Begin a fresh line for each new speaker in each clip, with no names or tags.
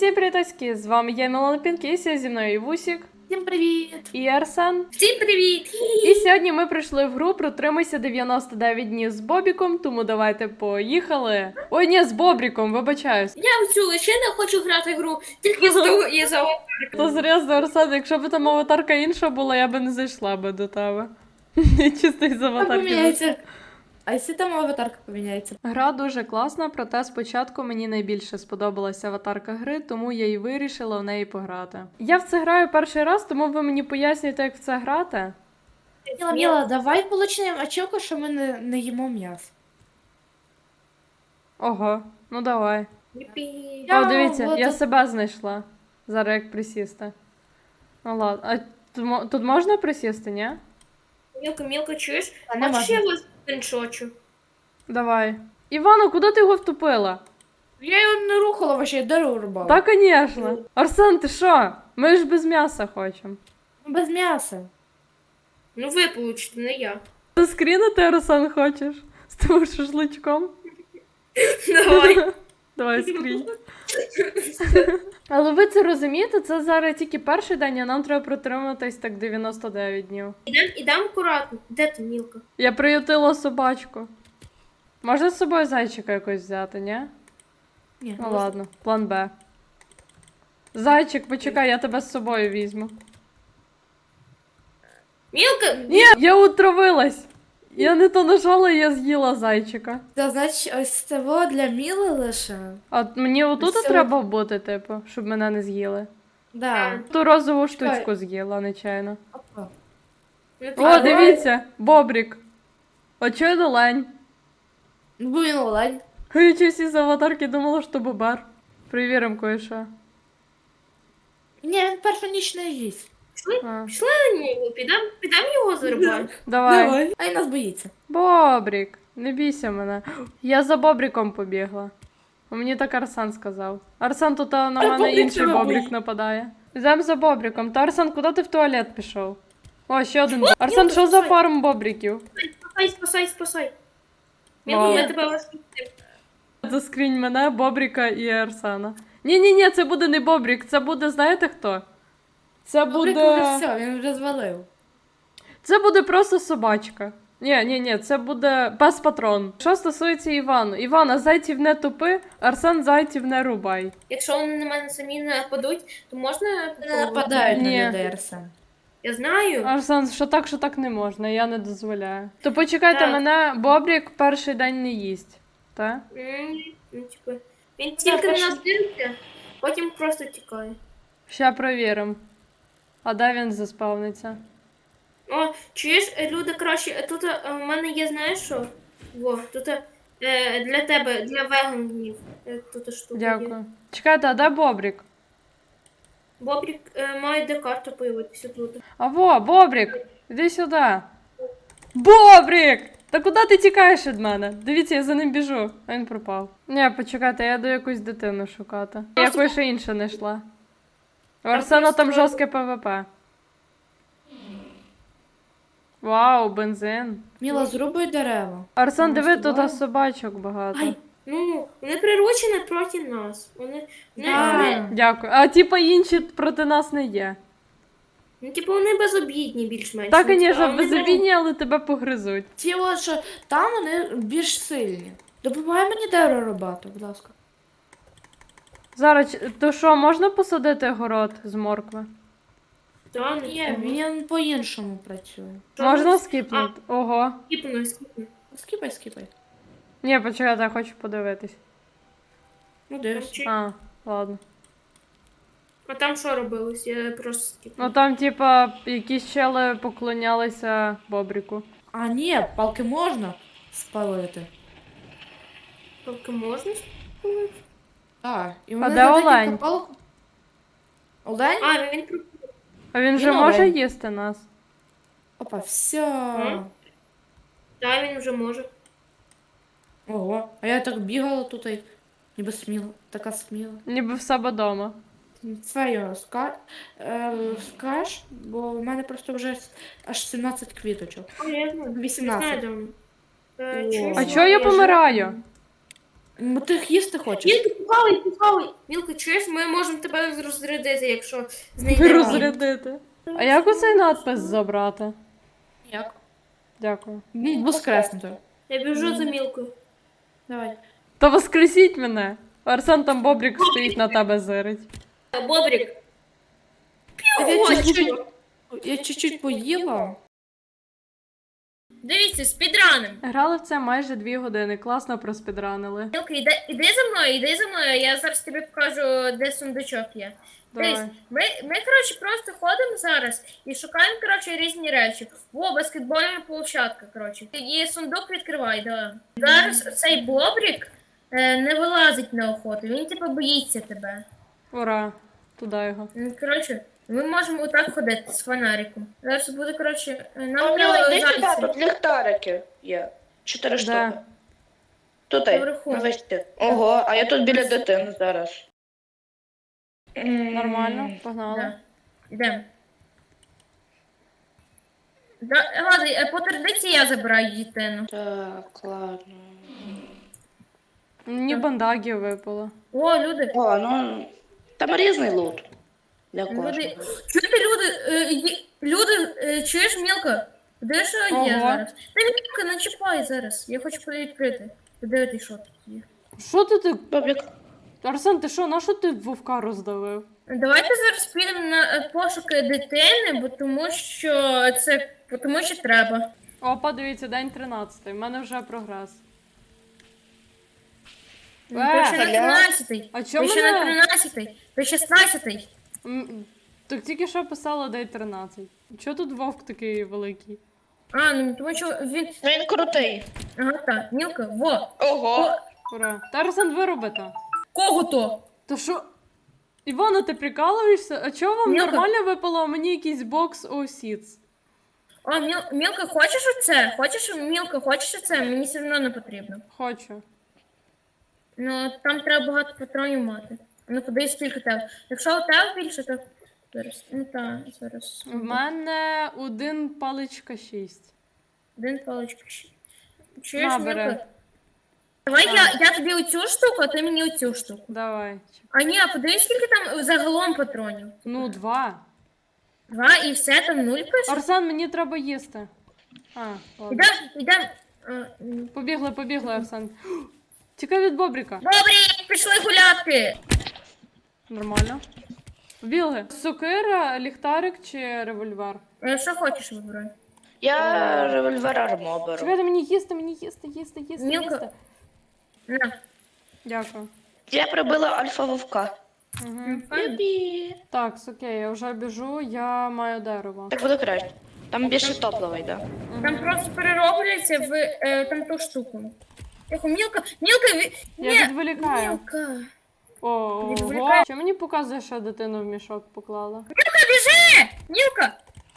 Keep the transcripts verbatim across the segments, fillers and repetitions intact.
Всім привітаськи! З вами я, Мілана Пінкіс, зі мною Івусік.
Всім привіт!
І Арсен.
Всім привіт!
І сьогодні ми прийшли в гру «Протримайся дев'яносто дев'ять днів з Бобіком», тому давайте поїхали. Ой, ні, з Бобріком, вибачаюсь.
Я в цю лишину хочу грати в гру, тільки з того і за
То серйозно, Арсен, якщо б там аватарка інша була, я би не зайшла би до тебе. Чисто із аватарки.
поміняється. А якщо там аватарка поміняється?
Гра дуже класна, проте спочатку мені найбільше сподобалася аватарка гри, тому я і вирішила в неї пограти. Я в це граю перший раз, тому ви мені пояснюєте, як в це грати.
Міла, Міла, давай получимо очілку, що ми не, не їмо м'ясо.
Ого, ну давай.
Я
О, дивіться,
вот
я
тут-
себе знайшла. Зараз як присісти. Ну ладно. А тут, мо- тут можна присісти, ні?
Мілка, мілка, чуєш?
А, не
Хочеш
можна.
я вас скріншочу?
Давай. Івано, куди ти його втопила?
Я його не рухала вообще, я дорогу рубала.
Та, звісно. Арсен, ти що? Ми ж без м'яса хочемо.
Без м'яса.
Ну ви получите, не я.
Ти скрінити, Арсен, хочеш? З тим шашличком?
Давай.
Давай скрінь. Але ви це розумієте, це зараз тільки перший день, а нам треба протриматись так дев'яносто дев'ять днів.
Ідем, ідем акуратно. Де ти, мілка?
Я приютила собачку. Можна з собою зайчика якось взяти, ні?
Ні,
Ну ладно, план Б. Зайчик, почекай, я тебе з собою візьму.
Мілка!
Ні, я отравилась. Я не то нажала, і я з'їла зайчика.
Це значить ось це во для Міли лише.
А мені отут
Все.
треба бути, типу, щоб мене не з'їли.
Да.
Ту розову
Чекай.
штучку з'їла, нечайно.
Опа.
Ну, ти
О,
давай.
дивіться, бобрік. Очевидно, лень.
Ну, бо він олень.
Я чись із аватарки думала, що бобер. Перевіримо кое-що.
Ні, він першу ніч не їсть.
А,
Пішли на нього, підем, підем його зарубати.
давай.
А він нас боїться.
Бобрік, не бійся мене. Я за Бобріком побігла. Мені так Арсен сказав. Арсен, тут а, на
А
мене
Бобрік
інший
тебе
Бобрік
боїть.
нападає. Йдемо за Бобріком. Та Арсен, куди ти в туалет пішов? О, ще один. Арсен, що за фарм Бобріків?
Спасай, спасай, спасай. Мілка,
Вау.
ми тебе вас.
Заскрінь мене, Бобріка і Арсена. Ні-ні-ні, це буде не Бобрік, це буде, знаєте хто? Це
Бобрик
буде...
вже все, він вже звалив.
Це буде просто собачка. Ні, ні, ні, це буде пес-патрон. Що стосується Івану. Івана, зайців не тупи, Арсен зайців не рубай.
Якщо вони на мене самі не нападуть, то можна
Не
попробувати?
нападають
Ні.
на людей, Арсен.
Я знаю.
Арсен, що так, що так не можна, я не дозволяю. То почекайте,
Так.
мене Бобрік перший день не їсть. Так?
М, Ну, типу, він тільки на нас дивиться, потім просто тікає.
Ща провіримо. А де він заспавниться?
О, чуєш, е, люди краще, е, тут е, в мене є, знаєш що? Во, тут е, для тебе, для веганів. Е, тут штука є.
Дякую. Чекайте, а де Бобрік?
Бобрік е, має де карта появитися тут.
А во, Бобрік, іди сюди. Бобрік! Та куди ти тікаєш від мене? Дивіться, я за ним біжу, а він пропав. Ні, почекайте, я йду якусь дитину шукати. Я якось ще інше не йшла. У Арсена там
просто-
жорстке ПВП. Вау, бензин.
Міла, зрубуй дерева.
Арсен,
Ну,
диви,
з тобою?
тут собачок багато.
Ай.
Ну, вони приручені проти нас. Вони, вони,
Да.
вони,
Дякую. А типа інші проти нас не є.
ну, типу, вони безобідні більш-менш.
Так,
Ну, типу,
звісно,
а вони
безобідні, але тебе погризуть.
Ті от, що там вони більш сильні. Допомагай мені дерево рубати, будь ласка.
Зараз, ч- то що, можна посадити город з моркви?
Та, не
Ні, він по-іншому працює.
Що
Можна
ви-
скіпнути? Ого.
Скіпну, скіпну.
Скіпай, скіпай.
Ні, почекайте, я хочу подивитись.
Ну, дивись.
Чи-
А, ладно.
А там що робилось? Я просто скіпну.
Ну там, типа, якісь чели поклонялися Бобріку.
А, ні, палки можна спалити.
Тільки можна?
Так, і
А
вони
де
за декілька
олень?
палок- Олень?
А, він про-
А він вже
Він
може
олень.
їсти нас?
Опа, все.
М? Та, він вже може.
Ого, а я так бігала тут, і ніби сміла, така сміла.
Ніби в себе дома.
Це його ска... е, скаж, бо в мене просто вже аж сімнадцять квіточок.
А, я знаю. Не
вісімнадцять.
знаю, де він. Е,
О.
чуєш,
А чого я
ж-
помираю?
Ну ти їх їсти хочеш?
Мілка, похавай, похавай. Мілка, чуєш, ми можемо тебе розрядити, якщо знайдемо.
Розрядити. А як оцей надпис забрати?
Як?
Дякую.
Ну, воскреснути.
Я біжу за Мілкою.
Давай.
Та воскресіть мене. Арсен там Бобрік стоїть на тебе зирить.
Бобрік.
Я
Ой,
чуть-чуть, я чуть-чуть поїла.
Дивіться, спідраним.
Грали в це майже дві години. Класно проспідранили.
Мілка, іди, іди за мною, іди за мною, я зараз тобі покажу, де сундучок є. Дивись,
Давай.
ми, ми, коротше, просто ходимо зараз і шукаємо, коротше, різні речі. О, баскетбольна площадка, коротше. І сундук відкривай, да. Зараз цей бобрік е, не вилазить на охоту, він, типу, боїться тебе.
Ура. Туди його.
Ну, коротше, ми можемо отак ходити з фонариком. Зараз буде, коротше, нам
А у
треба
нього йди сюди,
зайця.
тут ліхтарики є. Чотири
Де?
штуки. Тут, ай,
Наверху.
на висоті. Ого, а я тут біля дитини зараз. М,
Нормально, погнали.
Да. Йдемо. Да, ладно, е, по традиції я забираю дитину.
Так, ладно.
Мені бандаги випало.
О, люди.
О, ну, там різний лут. Для кожного.
Люди. Чуєте, люди? Е, є- люди, е, чуєш, Мілка? Де що є
Ого.
зараз? Та Мілка, не чіпай зараз. Я хочу відкрити. Подивитись, що тут є.
Що ти ти?
Бобік,
Арсен, ти що, на що ти вовка роздавив?
Давайте зараз підемо на е, пошуки дитини, бо тому що це бо тому що треба.
Опа, дивіться, день тринадцятий. У мене вже прогрес.
Ну,
Е,
то ще на
Галя.
тринадцятий.
А
То
чому
ще на
мене?
тринадцятий. То шістнадцятий.
М, Так тільки що писала день тринадцять. Чого тут вовк такий великий?
А, ну тому що він.
ну він крутий.
Ага, так. Мілка, во.
Ого.
Ура. Та Арсен виробите.
Кого то?
То що? Івана, ти прикалуєшся? А чого вам
Мілка.
нормально випало, а мені якийсь бокс осіц?
О, Міл, Мілка, хочеш оце? Хочеш, Мілка, хочеш оце? Мені все одно не потрібно.
Хочу.
Ну, там треба багато патронів мати. Ну, подивись, скільки тебе. Якщо у тебе більше, то зараз. Ну так, зараз.
В мене один паличка шість.
Один паличка. ще. Чуєш,
На, бери.
Мілка? Давай я, я тобі оцю штуку, а ти мені оцю штуку.
Давай.
А ні, а подивись, скільки там загалом патронів.
Ну, два.
Два і все, там нуль пише.
Арсен, мені треба їсти. А, ладно.
Ідем, ідем. А, м.
Побігли, побігли, Арсен. Тікай від Бобріка.
Добрі, пішли гуляти.
Нормально. Побігли. Сокира, ліхтарик чи револьвер?
Е, Що хочеш вибирай?
Я револьвер армо беру.
Чекайте, мені їсти, мені їсти, їсти, їсти,
Мілка.
їсти.
На.
Дякую.
Я прибила альфа вовка.
Угу.
Юпі.
Так, окей, я вже біжу, я маю дерево.
Так буде краще. Там більше топлива йде.
Там просто перероблюється в е, там ту штуку. Тихо, Мілка, Мілка, ві...
Я
Ні,
відволікаю.
Мілка.
Ого.
Відволікаю.
Що мені показує, що дитину в мішок поклала?
Мілка, біжи! Мілка!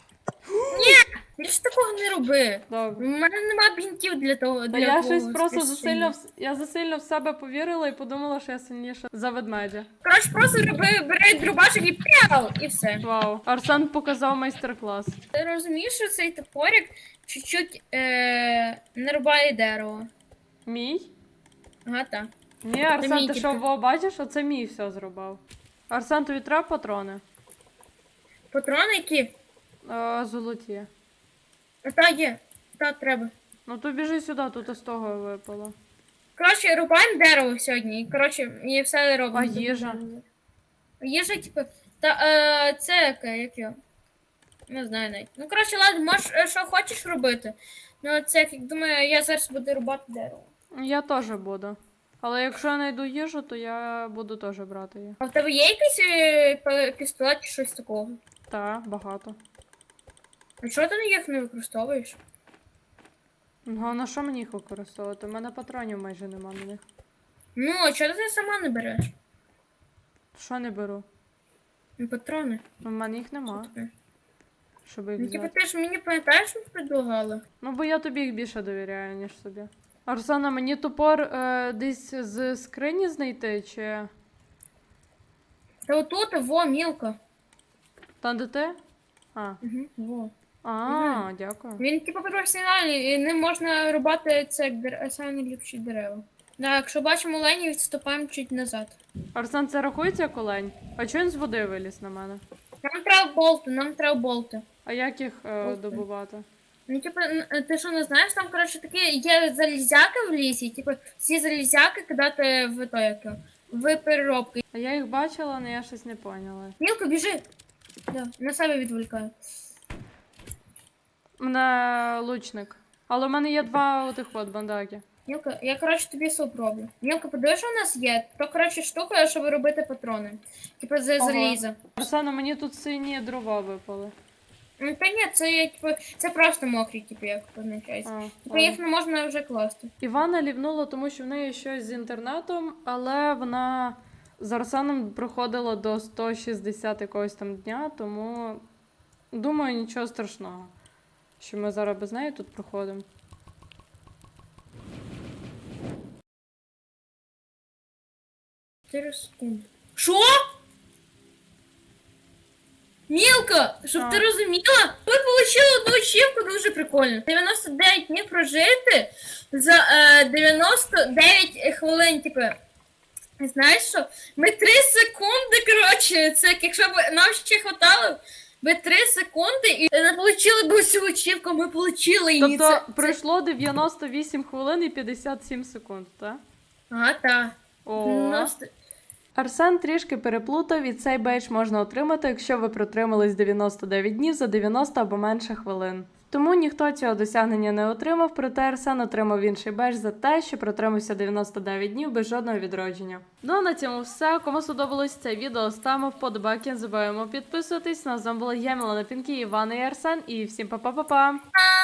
Ні, більше такого не роби. У
Добре.
мене нема бінтів для того.
Та
Для
я
того
щось просто
спасіння.
засильно, в- я засильно в себе повірила і подумала, що я сильніша за ведмедя.
Коротше, просто роби, бери дробашик і п'яв, і все.
Вау. Арсен показав майстер-клас.
Ти розумієш, що цей топорик чуть-чуть е, не рубає дерево.
Мій?
Ага, так.
Ні, Арсен,
мій
ти що,
тільки.
во, бачиш, оце мій все зробив. Арсен, тобі треба патрони?
Патрони які?
Е, золоті.
А, Та є. Та треба.
Ну то біжи сюди, тут із того випало.
Коротше, рубаємо дерево сьогодні. І, коротше, і все робимо.
А їжа?
Їжа, типу, та е, це яке, як його? Не знаю навіть. Ну, коротше, ладно, можеш, е, що хочеш робити. Ну, це, як думаю, я зараз буду рубати дерево.
Я теж буду. Але якщо я знайду їжу, то я буду теж брати її.
А в тебе є якийсь е, пе- пістолет чи щось такого?
Так, багато.
А чого ти їх не використовуєш?
Ну, а на що мені їх використовувати? У мене патронів майже нема на них.
Ну, а чого ти сама не береш?
Що не беру?
Ну, патрони.
У мене їх нема,
Таке.
щоб їх
Ну, типу,
взяти.
ти ж мені пам'ятаєш, що предлагала?
Ну, бо я тобі їх більше довіряю, ніж собі. Арсена, мені топор е, десь з скрині знайти, чи.
Та отут, во, мілко.
Там де ти? А.
Угу, во.
А, дякую.
Він, типу, професіональний, і ним можна рубати це як дер... самі ліпші дерева. Да, якщо бачимо оленів, відступаємо чуть назад.
Арсен, це рахується як олень? А чого він з води виліз на мене?
Нам треба болти, нам треба болти.
А як їх е,
Окей.
добувати?
Ну, типу, н- ти що не знаєш, там, коротше, такі є залізяки в лісі, типу, всі залізяки кидати в то, як його, в переробки.
А я їх бачила, але я щось не поняла.
Мілко, біжи! Да, на себе відволікаю.
Мене лучник. Але в мене є два отих от бандаки.
Мілка, я, коротше, тобі суп роблю. Мілка, подивись, що у нас є? То, коротше, штука, щоб робити патрони. Типу, з
Ага.
заліза.
Арсена, мені тут сині дрова випали.
Ну, та ні, це, типу, це просто мокрі, типу, як позначається.
А,
Типу,
а.
їх не можна вже класти.
Івана лівнула, тому що в неї щось з інтернетом, але вона з Арсеном проходила до сто шістдесят якогось там дня, тому думаю, нічого страшного, що ми зараз без неї тут проходимо.
чотири секунди. Що? Мілка, щоб
А.
ти розуміла, ви отримали одну ачівку дуже прикольно. дев'яносто дев'ять днів прожити за е, дев'яносто дев'ять хвилин, типу. Знаєш що? Ми три секунди, коротше, це як якщо б нам ще хватало, ми три секунди і не отримали б усю ачівку, ми отримали її.
Тобто
Це- це-
пройшло дев'яносто вісім хвилин і п'ятдесят сім секунд, так?
Ага, так.
О.
дев'яносто
Арсен трішки переплутав, і цей бейдж можна отримати, якщо ви протримались дев'яносто дев'ять днів за дев'яносто або менше хвилин. Тому ніхто цього досягнення не отримав, проте Арсен отримав інший бейдж за те, що протримався дев'яносто дев'ять днів без жодного відродження. Ну а на цьому все. Кому сподобалось це відео, ставимо вподобайки, не забуваємо підписуватись. Нас з вами була я, Мілана Пінкі, Івана і Арсен, і всім па-па-па-па!